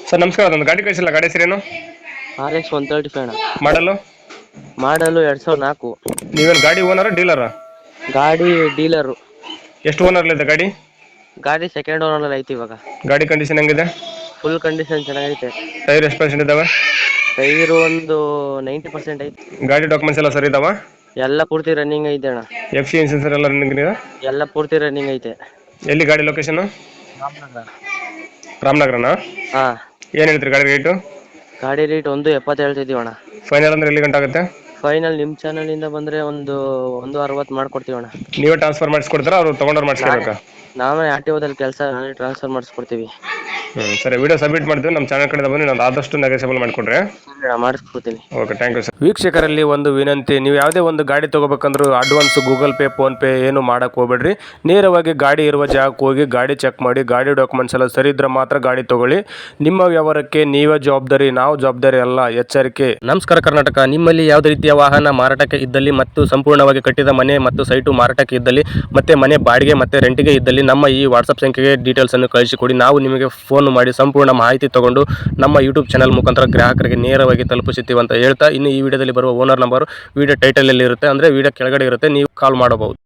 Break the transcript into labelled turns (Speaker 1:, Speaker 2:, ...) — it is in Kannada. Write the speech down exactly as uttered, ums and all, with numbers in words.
Speaker 1: ಸರ್ ನಮಸ್ಕಾರ, ಒಂದು ಗಾಡಿ ಕಳಿಸಿಲ್ಲ, ಗಾಡಿ ಹೆಸರೇನು?
Speaker 2: R X one thirty five ಅಣ್ಣ.
Speaker 1: ಮಾಡಲು
Speaker 2: ಮಾಡಲು ಎರಡ್ ಸಾವಿರದ ನಾಲ್ಕು.
Speaker 1: ನೀವೇನು ಗಾಡಿ ಓನರ ಡೀಲರಾ?
Speaker 2: ಗಾಡಿ ಡೀಲರು.
Speaker 1: ಎಷ್ಟು ಓನರ್ಲಿದೆ ಗಾಡಿ?
Speaker 2: ಗಾಡಿ ಸೆಕೆಂಡ್ ಓನರ್ ಐತಿ ಇವಾಗ.
Speaker 1: ಗಾಡಿ ಕಂಡೀಷನ್ ಹೆಂಗಿದೆ?
Speaker 2: ಫುಲ್ ಕಂಡೀಷನ್ ಚೆನ್ನಾಗೈತೆ.
Speaker 1: ಟೈರ್ ಎಷ್ಟು ಪರ್ಸೆಂಟ್ ಇದಾವೆ?
Speaker 2: ಟೈರ್ ಒಂದು ನೈಂಟಿ ಪರ್ಸೆಂಟ್ ಐತಿ.
Speaker 1: ಗಾಡಿ ಡಾಕ್ಯುಮೆಂಟ್ಸ್ ಎಲ್ಲ ಸರಿ ಇದಾವ?
Speaker 2: ಎಲ್ಲ ಪೂರ್ತಿ ರನ್ನಿಂಗ್ ಐತೆ ಅಣ್ಣ.
Speaker 1: ಎಫ್ ಸಿ ಇನ್ಸೂರೆನ್ಸ್ ಎಲ್ಲ ರನ್ನಿಂಗ್ ಇದೆ?
Speaker 2: ಎಲ್ಲ ಪೂರ್ತಿ ರನ್ನಿಂಗ್ ಐತೆ.
Speaker 1: ಎಲ್ಲಿ ಗಾಡಿ ಲೊಕೇಶನ್?
Speaker 2: ರಾಮನಗರ.
Speaker 1: ರಾಮನಗರನಾ?
Speaker 2: ಹಾ.
Speaker 1: ಏನು ಹೇಳ್ತೀರಿ ಗಾಡಿ ರೇಟು?
Speaker 2: ಗಾಡಿ ರೇಟ್ ಒಂದು ಎಪ್ಪತ್ತು ಹೇಳ್ತಿದೀವಿ ಅಣ್ಣ.
Speaker 1: ಫೈನಲ್ ಅಂದ್ರೆ ಎಲ್ಲಿ ಗಂಟೆ ಆಗುತ್ತೆ?
Speaker 2: ಫೈನಲ್ ನಿಮ್ಮ ಚಾನಲ್ ಇಂದ ಬಂದ್ರೆ ಒಂದು ಒಂದು ಅರವತ್ತು ಮಾಡ್ಕೊಡ್ತೀವಿ ಅಣ್ಣ.
Speaker 1: ನೀವೇ ಟ್ರಾನ್ಸ್ಫರ್ ಮಾಡಿಸ್ಕೊಡ್ತೀರಾ, ಅವ್ರು ತೊಗೊಂಡವ್ರು ಮಾಡಿಸ್ಕೋಬೇಕಾ?
Speaker 2: ನಾವೇ ಆರ್ ಟಿ ಓದಲ್ಲಿ ಕೆಲಸ ನಾವೇ ಟ್ರಾನ್ಸ್ಫರ್ ಮಾಡಿಸ್ಕೊಡ್ತೀವಿ.
Speaker 1: ಹ್ಞೂ ಸರಿ, ವಿಡಿಯೋ ಸಬ್ಮಿಟ್ ಮಾಡ್ತೀವಿ. ನಮ್ಮ ಚಾನಲ್ ಕಡೆ ಬಂದು ನಾನು ಆದಷ್ಟು ನೆಗೋಸಿಯಬಲ್ ಮಾಡಿಕೊಡ್ರಿ.
Speaker 2: ಮಾಡಿಸ್ಕೊಡ್ತೀನಿ.
Speaker 1: Okay, thank you sir. ವೀಕ್ಷಕರಲ್ಲಿ ಒಂದು ವಿನಂತಿ, ನೀವು ಯಾವುದೇ ಒಂದು ಗಾಡಿ ತೊಗೋಬೇಕಂದ್ರೂ ಅಡ್ವಾನ್ಸ್ ಗೂಗಲ್ ಪೇ ಫೋನ್ಪೇ ಏನು ಮಾಡೋಕ್ಕೆ ಹೋಗ್ಬೇಡ್ರಿ. ನೇರವಾಗಿ ಗಾಡಿ ಇರುವ ಜಾಗಕ್ಕೆ ಹೋಗಿ ಗಾಡಿ ಚೆಕ್ ಮಾಡಿ, ಗಾಡಿ ಡಾಕ್ಯುಮೆಂಟ್ಸ್ ಎಲ್ಲ ಸರಿ ಇದ್ರೆ ಮಾತ್ರ ಗಾಡಿ ತೊಗೊಳ್ಳಿ. ನಿಮ್ಮ ವ್ಯವಹಾರಕ್ಕೆ ನೀವೇ ಜವಾಬ್ದಾರಿ, ನಾವು ಜವಾಬ್ದಾರಿ ಅಲ್ಲ, ಎಚ್ಚರಿಕೆ. ನಮಸ್ಕಾರ ಕರ್ನಾಟಕ. ನಿಮ್ಮಲ್ಲಿ ಯಾವುದೇ ರೀತಿಯ ವಾಹನ ಮಾರಾಟಕ್ಕೆ ಇದ್ದಲ್ಲಿ ಮತ್ತು ಸಂಪೂರ್ಣವಾಗಿ ಕಟ್ಟಿದ ಮನೆ ಮತ್ತು ಸೈಟು ಮಾರಾಟಕ್ಕೆ ಇದ್ದಲ್ಲಿ ಮತ್ತೆ ಮನೆ ಬಾಡಿಗೆ ಮತ್ತು ರೆಂಟಿಗೆ ಇದ್ದಲ್ಲಿ ನಮ್ಮ ಈ ವಾಟ್ಸಪ್ ಸಂಖ್ಯೆಗೆ ಡೀಟೇಲ್ಸನ್ನು ಕಳಿಸಿಕೊಡಿ. ನಾವು ನಿಮಗೆ ಫೋನ್ ಮಾಡಿ ಸಂಪೂರ್ಣ ಮಾಹಿತಿ ತಗೊಂಡು ನಮ್ಮ ಯೂಟ್ಯೂಬ್ ಚಾನಲ್ ಮುಖಾಂತರ ಗ್ರಾಹಕರಿಗೆ ನೇರವಾಗಿ ತಲುಪಿಸುತ್ತೀವಿ ಅಂತ ಹೇಳ್ತಾ, ಇನ್ನು ಈ ವಿಡಿಯೋದಲ್ಲಿ ಬರುವ ಓನರ್ ನಂಬರ್ ವಿಡಿಯೋ ಟೈಟಲಲ್ಲಿ ಇರುತ್ತೆ, ಅಂದರೆ ವಿಡಿಯೋ ಕೆಳಗಡೆ ಇರುತ್ತೆ, ನೀವು ಕಾಲ್ ಮಾಡಬಹುದು.